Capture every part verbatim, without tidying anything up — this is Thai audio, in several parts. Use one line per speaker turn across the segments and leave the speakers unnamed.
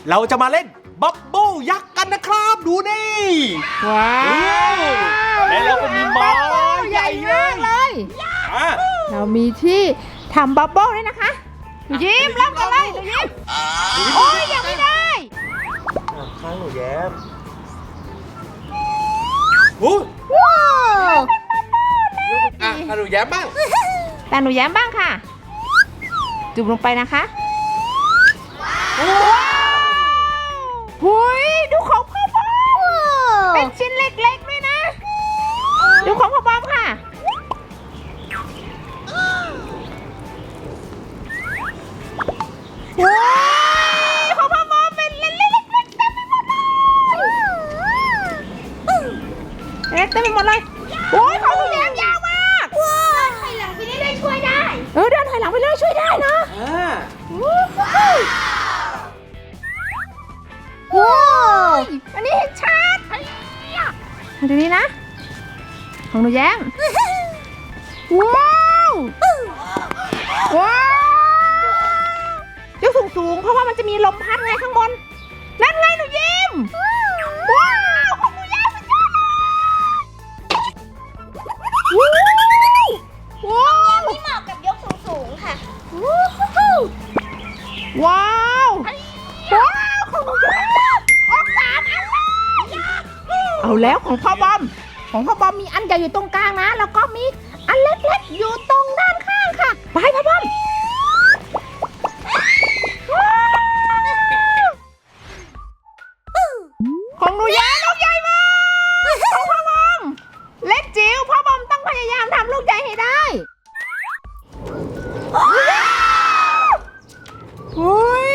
เราจะมาเล่นบับเบิ้ลยักษ์กันนะครับดูนี่
ว้าว
แล้วเราก็มีไม้ใหญ่มาก
เลยเรามีที่ทำบับเบิ้ลด้วยนะคะหนูยิ้มเริ่มกันเลยหนูยิ้มโอ้ยยังไม่ได้
ข้างหนูแย้มโอ้
ว้าว
อ่ะข้างหนูแย้มบ้าง
แต่หนูแย้มบ้างค่ะจุ่มลงไปนะคะว้าวหุยดูของพ่อบอมเป็นชิ้นเล็กๆด้วยนะดูของพ่อบอมค่ะว้าวของพ่อบอมเป็นเล็กๆๆเต็มไปหมดเลยเล็กเต็มไปหมดเลยโอ้ยของหนูแย้มยาวมาก
ว้าวถอยหลังไปเรื่อยๆช่วยได้
เออเดินถอยหลังไปเรื่อยช่วยได้นะว้าวอันนี้เห็นชัดมาดูนี่นะของหนูแย้มว้าวว้าวยกสูงๆเพราะว่ามันจะมีลมพัดไงข้างบนนั่นไงหนูยิ้มว้าวของหนูแย้มสุดยอดเลยว้าว
ไม่เหมาะกับยกสูงๆค่ะ
ว้าวว้าวของหนูแย้มออกสามอันเลยเอาแล้วของพ่อบอมของพ่อบอมมีอันใหญ่อยู่ตรงกลางนะแล้วก็มีอันเล็กๆอยู่ตรงด้านข้างค่ะไปพ่อบอมของหนูแย้มลูกใหญ่มากของพ่อบอมเล็กจิ๋วพ่อบอมต้องพยายามทำลูกใหญ่ให้ได้อุ้ย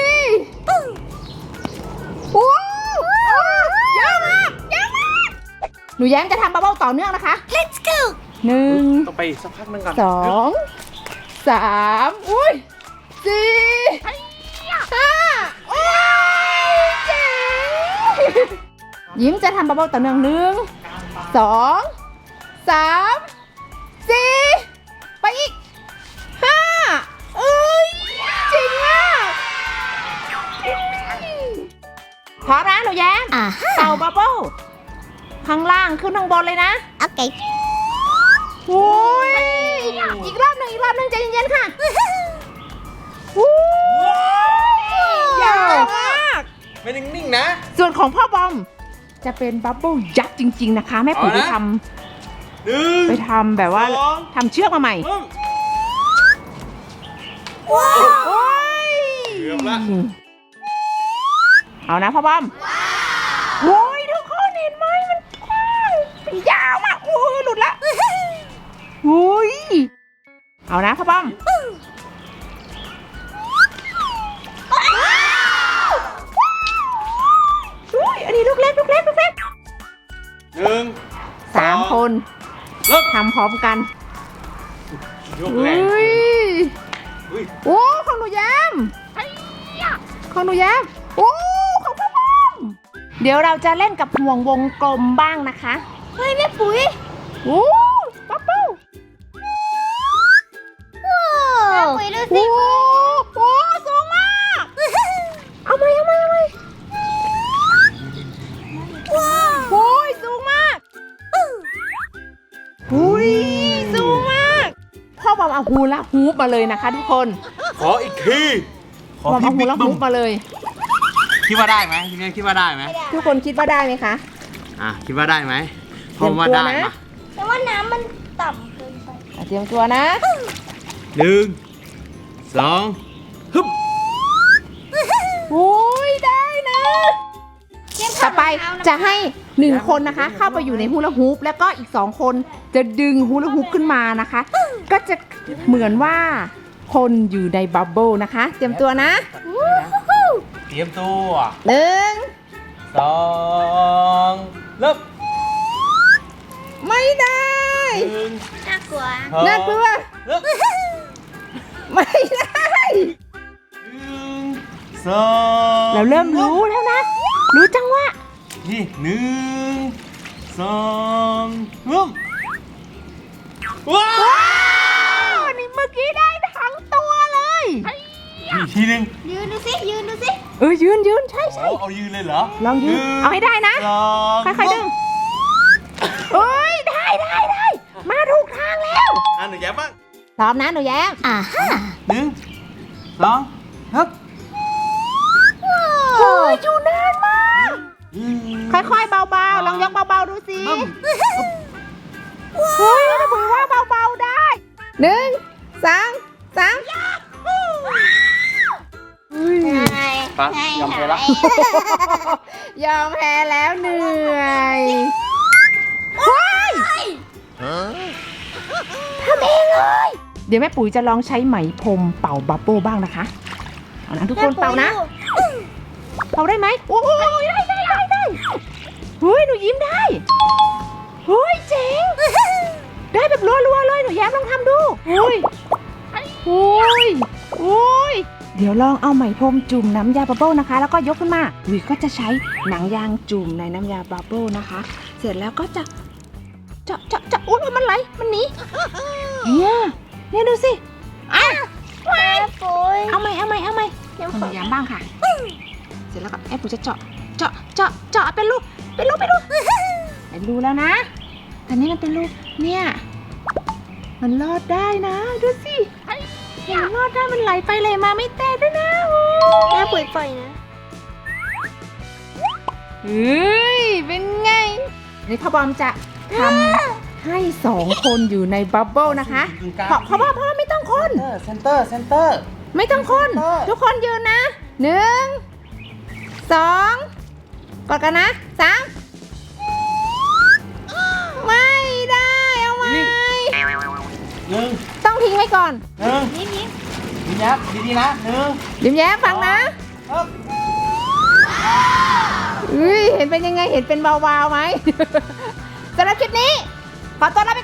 โอ้เยอะมากเยอะมากหนูแย้มจะทำบับเบิ้ลต่อเนื่องนะคะ
Let's go
หนึ่ง
ต้องไปสักพักนึงก่อน
สองสามอุ้ยสี่ห้าโอ้ยเจ๋งยิ้มจะทำบับเบิ้ลต่อเนื่องหนึ่งสองสามสี่ไปอีกห้าเอ้ยจริงอ่ะพอนะหนูแย้มเต่าบับเบิ้ลข้างล่างขึ้นข้างบนเลยนะ
โอเค
โอ้ยอีกรอบหนึ่งอีกรอบหนึ่งใจเย็นๆค่ะโอ้ยยาวมาก
ไม่นิ่งๆนะ
ส่วนของพ่อบอมจะเป็นบับเบิ้ลยักษ์จริงๆนะคะแม่ปุ๋ยไปทำไปทำแบบว่าทำเชือกมาใหม่
ว้าว
เกือบละ
เอานะพ่อบอมโอ้ยทุกคนเห็นไหมมันกว้างเป็นยาวมากโอ้ยหลุดละโอ้ยเอานะพ่อบอมอันนี้ลูกเล็กลูกเล็กลูกเล็ก
หนึ่ง
สามคนทำพร้อมกันอุ้ยโอ้ของหนูแย้มของหนูแย้มโอ้ของพ่อบอมเดี๋ยวเราจะเล่นกับห่วงวงกลมบ้างนะคะ
เฮ้ยแม่ปุ๋ย
โอ้บับเบิ้ล
แม่ปุ๋ยดูสิ
โอ้โหสูงมากเอาไหมเอาไหมเอาไหม
ว้าว
โอ้ยสูงมากอุ้ยสูงมากพ่อบอมเอาฮูลาฮูปมาเลยนะคะทุกคน
ขออีกที
ขอพี่ฮูลาฮูปมาเลย
คิดว่าได้ไหมทีนี้คิดว่าได้ไหม
ทุกคนคิดว่าได้ไหมคะ
อ่ะคิดว่าได้ไหมผมว่าได้มา
แต่ว่าน้ำมันต่ำเกินไป
เตรียมตัวนะ
หนึ่งสองฮึบ
โอ้ยได้นะต่อไปจะให้หนึ่งคนนะคะเข้าไปอยู่ในฮูลาฮูปแล้วก็อีกสองคนจะดึงฮูลาฮูปขึ้นมานะคะก็จะเหมือนว่าคนอยู่ในบับเบิ้ลนะคะเตรียมตัวนะ
เตรียมตัว
หนึ่ง
สองเริ่ม
ไม่ได้
น่ากลัว
น่ากลัวไม่ได้
หนึ่งสอง
เราเริ่มรู้แล้วนะรู้จังว่า
นี่หนึ่งสองเริ่มว้าว
นี่เมื่อกี้ได้ทั้งตัวเลย
อีกทีหนึ่ง
ยืนดูสิยืนดูสิ
เออยืนยืนใช่ใช่
โอ้เอายืนเลยเหรอ
ลองยืน
นึ่
เอาให้ได้นะ
สอง
ค่อยๆดึงเอ้ยได้ได้ได้มาถูกทางแล้ว
อ่ะหนูแย้มบ้าง
พร้อมนะหนูแย้มอ่าฮะ
หนึ่งสองฮึบ
โอ้ยอยู่นานมาก
อืม
ค่อยๆเบาๆลองยกเบาๆดูสิ
บึ้ม
เฮ้ยนะปุ๋ยว่าเบาๆได้หนึ่งสองสาม
ไง
ไปยอมแพ้ละ
ยอมแพ้แล้วเหนื่อยเฮ้ยทำเองเลย เดี๋ยวแม่ปุ๋ยจะลองใช้ไหมพรมเป่าบับเบิ้ลบ้างนะคะเอานะทุกคนเป่านะ เป่าได้ไหมโอ้ยได้ได้ได้ได้เฮ้ยหนูยิ้มได้เฮ้ยเจ๋งได้แบบรัวๆเลยหนูแย้มลองทำดูโอ้ยโอ้ยโอ้ยเดี๋ยวลองเอาไหมพรมจุ่มน้ำยาบับเบิ้ลนะคะแล้วก็ยกขึ้นมาวิก็จะใช้หนังยางจุ่มในน้ำยาบับเบิ้ลนะคะเสร็จแล้วก็จะเจาะเจาะเจาะอุ้ยมันไหลมันหนีเนี่ยเนี่ยดูสิอ่ะ
แม่ปุ๋ย
เอาไหมเอาไหมเอาไหม
เดี๋ยว
คน
ฝ
ห
น
นูแย้มบ้างค่ะเสร็จแล้วก็แอบปุ๋ยจะเจาะเจาะเจาะเจาะเป็นรูเป็นรูเป็นรูเป็นรูแล้วนะแต่นี่มันเป็นรูเนี่ยมันรอดได้นะดูสิเนี่ยมันรอดได้มันไหลไปไหลมาไม่แตกด้วยนะโอ้
แม่ปุ๋ยปล่อยนะ
เฮ้ยเป็นไงนี่พ่อบอมจะทำให้สองคนอยู่ในบับเบิ้ลนะคะเพราะเพราะว่าเพราะว่าไม่ต้องคน
เซนเตอร์เซนเตอร์
ไม่ต้องคน
เออ
ทุกคนยืนนะหนึ่งสองกดกันนะสามไม่ได้เอาไหม
หนึ่ง
ต้องทิ้งไว้ก่อน
หนึ่ง
นี่นี่
ยิ้มยับดีๆนะหนึ่ง
ยิ้มแย้มฟังนะ
ฮึบ
อุ้ยเห็นเป็นยังไงเห็นเป็นวาวๆไหม สำหรับคลิปนี้ ขอตัวลาไป